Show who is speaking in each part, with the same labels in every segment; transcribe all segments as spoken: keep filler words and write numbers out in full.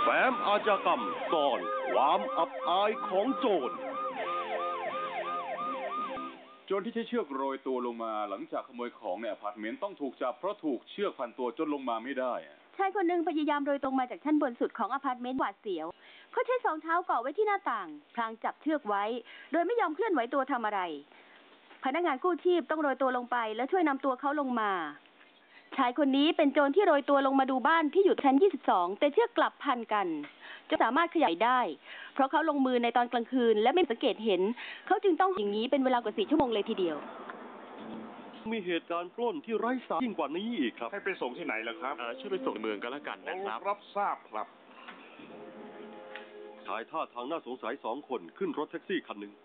Speaker 1: แฟ้มอาชญากรรมซ่อนความอับอายของโจร
Speaker 2: โจรที่ใช้เชือกโรยตัวลงมาหลังจากขโมยของในอพาร์ตเมนต์ต้องถูกจับเพราะถูกเชือกพันตัวจนลงมาไม่ได้
Speaker 3: ชายคนหนึ่งพยายามโรยตรงมาจากชั้นบนสุดของอพาร์ตเมนต์หวาดเสียวเขาใช้สองเท้าเกาะไว้ที่หน้าต่างพลางจับเชือกไว้โดยไม่ยอมเคลื่อนไหวตัวทำอะไรพนักงานกู้ชีพต้องโรยตัวลงไปและช่วยนำตัวเขาลงมาชายคนนี้เป็นโจรที่โรยตัวลงมาดูบ้านที่อยู่ชั้นยี่สิบสองแต่เชือกกลับพันกันจะสามารถขยายได้เพราะเขาลงมือในตอนกลางคืนและไม่สังเกตเห็นเขาจึงต้องอย่างนี้เป็นเวลากว่าสี่ชั่วโมงเลยทีเดียว
Speaker 1: มีเหตุการณ์ปล้นที่ไร้สาระยิ่งกว่านี้อีกครับ
Speaker 4: ให้ไปส่งที่ไหนล่ะครับ
Speaker 5: ช่วยไปส่งเมืองกันแล้วกันนะครับ
Speaker 4: รับทราบครับ
Speaker 1: ชายท่าทางน่าสงสัยสองคนขึ้นรถแท็กซี่คันหนึ่ง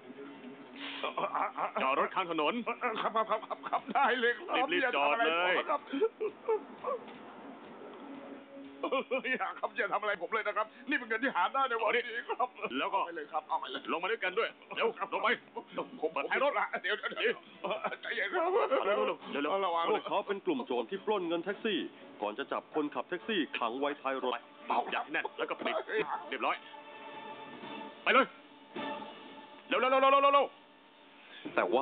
Speaker 5: จอดรถข้างถนน
Speaker 4: ครับครับครับครับได้เลยครับ
Speaker 5: รีบจอดเลย
Speaker 4: อย่าครับอย่าทำอะไรผมเลยนะครับนี่เป็นเงินที่หาได้ในวันนี้ครับ
Speaker 5: แล้วก็
Speaker 4: ไปเลยครับเอาไปเลย
Speaker 5: ลงมาด้วยกันด้วยเร็วลงไป
Speaker 4: ผมเปิดให้รถละเดี๋ยวเดี๋ยวใจเย็นครับ
Speaker 5: เร็วเร็วเร็วระวัง
Speaker 1: พวกเขาเป็นกลุ่มโจรที่ปล้นเงินแท็กซี่ก่อนจะจับคนขับแท็กซี่ขังไว้ท้ายรถ
Speaker 5: เบาจับแน่นแล้วก็ปิดเรียบร้อยไปเลยเร็วเร็วเร็วเร็วเร็ว
Speaker 1: แต่ว่า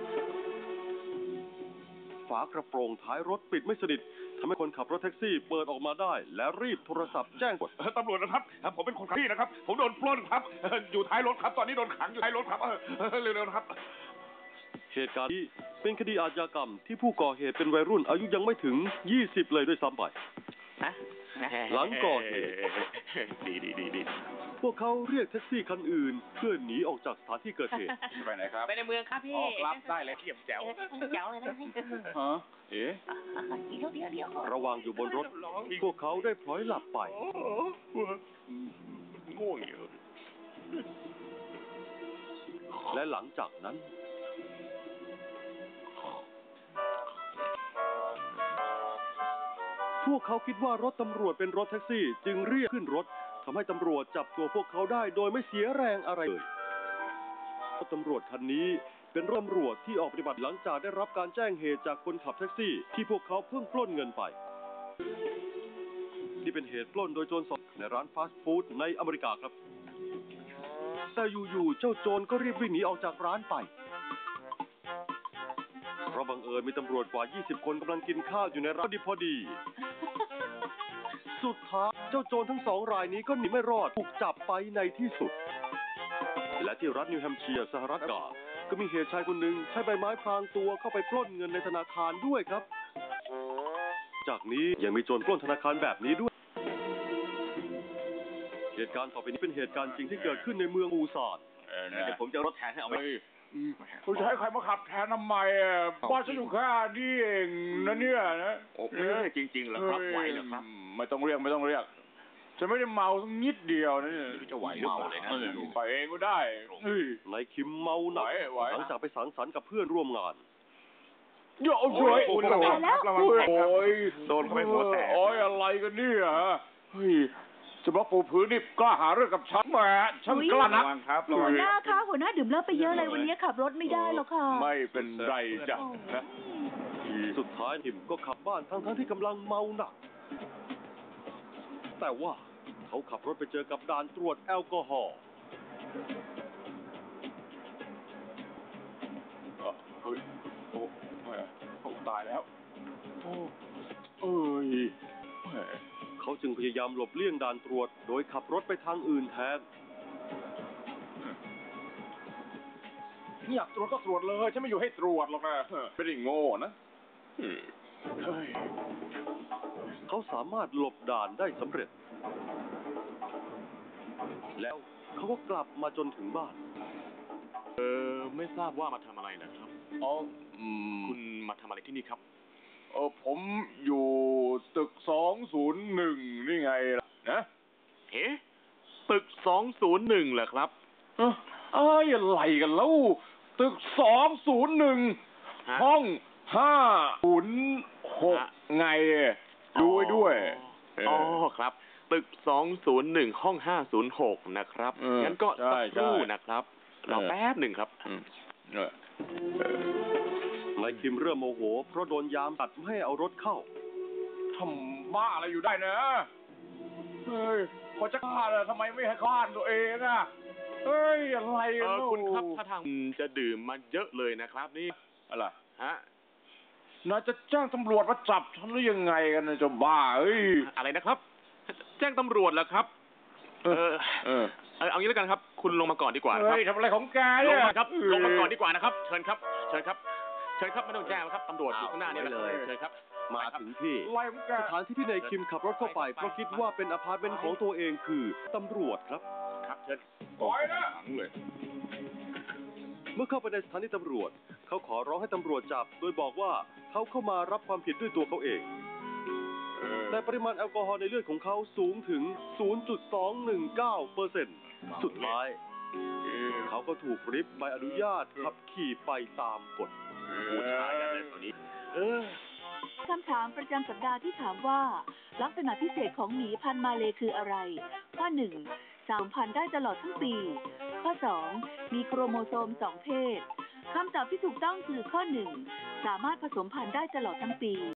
Speaker 1: ฝากระโปรงท้ายรถปิดไม่สนิททำให้คนขับรถแท็กซี่เปิดออกมาได้และรีบโทรศัพท์แจ้ง
Speaker 4: ตำรวจนะครับผมเป็นคนขับที่นะครับผมโดนปล้นครับอยู่ท้ายรถครับตอนนี้โดนขังอยู่ท้ายรถครับเร็วๆครับ
Speaker 1: เหตุการณ์นี้เป็นคดีอาชญากรรมที่ผู้ก่อเหตุเป็นวัยรุ่นอายุยังไม่ถึงยี่สิบเลยด้วยซ้ำไปหลังก่อเหตุ
Speaker 5: ดีดีดีดี
Speaker 1: พวกเขาเรียกแท็กซี่คันอื่นเพื่อหนีออกจากสถานที่เกิดเหตุ
Speaker 2: ไปไหนครับ
Speaker 6: ไปในเมืองครับพี่
Speaker 2: ออกรับได้เลยเขี่ยมแจ๋ว
Speaker 6: แจ๋วเลยนะ
Speaker 2: ฮะเอ๊ะ
Speaker 1: ระหว่างอยู่บนรถพวกเขาได้พลอยหลับไป
Speaker 5: ง่วงอยู่
Speaker 1: และหลังจากนั้นพวกเขาคิดว่ารถตำรวจเป็นรถแท็กซี่จึงเรียกขึ้นรถทำให้ตำรวจจับตัวพวกเขาได้โดยไม่เสียแรงอะไรเลยรถตำรวจคันนี้เป็นรถตำรวจที่ออกปฏิบัติหลังจากได้รับการแจ้งเหตุจากคนขับแท็กซี่ที่พวกเขาเพิ่งปล้นเงินไปนี่เป็นเหตุปล้นโดยโจรสองในร้านฟาสต์ฟู้ดในอเมริกาครับแต่อยู่ๆเจ้าโจรก็รีบวิ่งหนีออกจากร้านไปเพราะบังเอิญมีตำรวจกว่ายี่สิบคนกำลังกินข้าวอยู่ในร้านพอดีสุดท้ายเจ้าโจรทั้งสองรายนี้ก็หนีไม่รอดถูกจับไปในที่สุดและที่รัฐนิวแฮมป์เชียร์สหรัฐอเมริกาก็มีเหตุชายคนหนึ่งใช้ใบไม้พรางตัวเข้าไปปล้นเงินในธนาคารด้วยครับจากนี้ยังมีโจรปล้นธนาคารแบบนี้ด้วยเหตุการณ์ต่อไปนี้เป็นเหตุการณ์จริงที่เกิดขึ้นในเมืองปูซาน
Speaker 5: เดี๋ยวผมจะรถแทนให้เอาไป
Speaker 4: คุณจะให้ใครมาขับแทนทำไมอ่ะบ้านฉันอยู่แค่นี้เองนะเนี่ยนะ
Speaker 5: โอ้จริงๆเหรอครับไหวเหรอครับ
Speaker 4: ไม่ต้องเรียกไม่ต้องเรียกฉันไม่ได้เมาสักนิดเดียวนะเนี่ย
Speaker 5: จะไหวหรือเปล่าเลยนะ
Speaker 4: ไปเองก็ได้
Speaker 1: นายคิมเมาหนักหลังจากไปสังสรรค์กับเพื่อนร่วมงาน
Speaker 4: โย่โอ้ยโอ้ย
Speaker 5: โดนเขาไปหัวแตก
Speaker 4: โอ้ยอะไรกันเนี่ยเฮ้ยจะบอกปูพื้นนี่กล้าหาเรื่องกับฉันแหมฉันกล้านะ
Speaker 3: หัวหน้าค่ะหัวหน้าดื่มเหล้าไปเยอะเลยวันนี้ขับรถไม่ได้หรอกค่ะ
Speaker 4: ไม่เป็นไรจ้ะนะ
Speaker 1: สุดท้ายทิมก็ขับบ้านทั้งทั้งที่กำลังเมาหนักแต่ว่าเขาขับรถไปเจอกับด่านตรวจแอลกอฮอล์
Speaker 4: เฮ้ยโอ้โหตายแล้วโอ้เอ้ย
Speaker 1: เขาจึงพยายามหลบเลี่ยงด่านตรวจโดยขับรถไปทางอื่นแทน
Speaker 4: อยากตรวจก็ตรวจเลยฉันไม่อยู่ให้ตรวจหรอกนะไม่ได้โง่นะ
Speaker 1: เขาสามารถหลบด่านได้สำเร็จแล้วเขาก็กลับมาจนถึงบ้าน
Speaker 5: เออไม่ทราบว่ามาทำอะไรนะครับ
Speaker 4: อ๋อ
Speaker 5: คุณมาทำอะไรที่นี่ครับ
Speaker 4: เออผมอยู่ตึกสองศูนย์หนึ่งนี่ไงล่ะนะ
Speaker 5: เอ๊ะตึกสองศูนย์หนึ่งเหรอครับ
Speaker 4: เอ้ยอะไรกันแล้วตึกสองศูนย์หนึ่งห้องห้าศูนย์หกไงดูไว้ด้วย
Speaker 5: อ๋อครับตึกสองศูนย์หนึ่งห้องห้าศูนย์หกนะครับงั้นก็สักครู่นะครับรอแป๊บหนึ่งครับ
Speaker 1: นายคิมเริ่มโมโหเพราะโดนยามตัดไม่ให้เอารถเข้า
Speaker 4: ทำบ้าอะไรอยู่ได้นะเฮ้ยพอจะฆ่าเลยทำไมไม่ให้ฆ่าตัวเองอ่ะเอ้ยอะไร
Speaker 5: เอ
Speaker 4: กัน
Speaker 5: อ
Speaker 4: เนาะ
Speaker 5: คุณครับถ้าทางจะดื่มมาเยอะเลยนะครับ นี่
Speaker 4: อะไร
Speaker 5: ฮะ
Speaker 4: นายจะแจ้งตำรวจมาจับฉันหรือยังไงกันนะเจ้าบ้าเอ้ย
Speaker 5: อะไรนะครับ แจ้งตำรวจแล้วครับ เออ
Speaker 4: เออ
Speaker 5: เออเอางี้แล้วกันครับ คุณลงมาก่อนดีกว่านะครับ
Speaker 4: เฮ้ยทำอะไรของแก
Speaker 5: ล
Speaker 4: เนี่
Speaker 5: ง
Speaker 4: ย
Speaker 5: มาครับ ลงมาก่อนดีกว่านะครับ เชิญครับ เชิญครับ เชิญครับไม่ต้องแจ้งแล้วครับตำรวจอยู่ข้างหน้านี่แหละ
Speaker 1: เอาไว้เลย
Speaker 5: เชิญครับ
Speaker 1: มาถึงที่
Speaker 4: อะไรของแก
Speaker 1: สถานที่ที่นายคิมขับรถเข้าไปเพราะคิดว่าเป็นอพาร์ตเมนต์ของตัวเองคือตำรวจครับ
Speaker 5: ครับ เชิญ
Speaker 4: ปล่อยนะ
Speaker 1: เมื่อเข้าไปในสถานีตำรวจ เขาขอร้องให้ตำรวจจับ โดยบอกว่าเขาเข้ามารับความผิดด้วยตัวเขาเอง แต่ปริมาณแอลกอฮอล์ในเลือดของเขาสูงถึง ศูนย์จุดสองหนึ่งเก้าเปอร์เซ็นต์ สุดท้าย เขาก็ถูกริบใบอนุญาตขับขี่ไปตามกฎ
Speaker 5: ผู้ชายกันเลยตัวนี้ เออ
Speaker 6: คำถามประจำสัปดาห์ที่ถามว่า ลักษณะพิเศษของหมีพันธุ์มาเลย์คืออะไร ข้อหนึ่งสามพันธุ์ได้ตลอดทั้งปี ข้อสองมีโครโมโซมสองเพศคำตอบที่ถูกต้องคือข้อหนึ่งสามารถผสมพันธุ์ได้ตลอดทั้งปี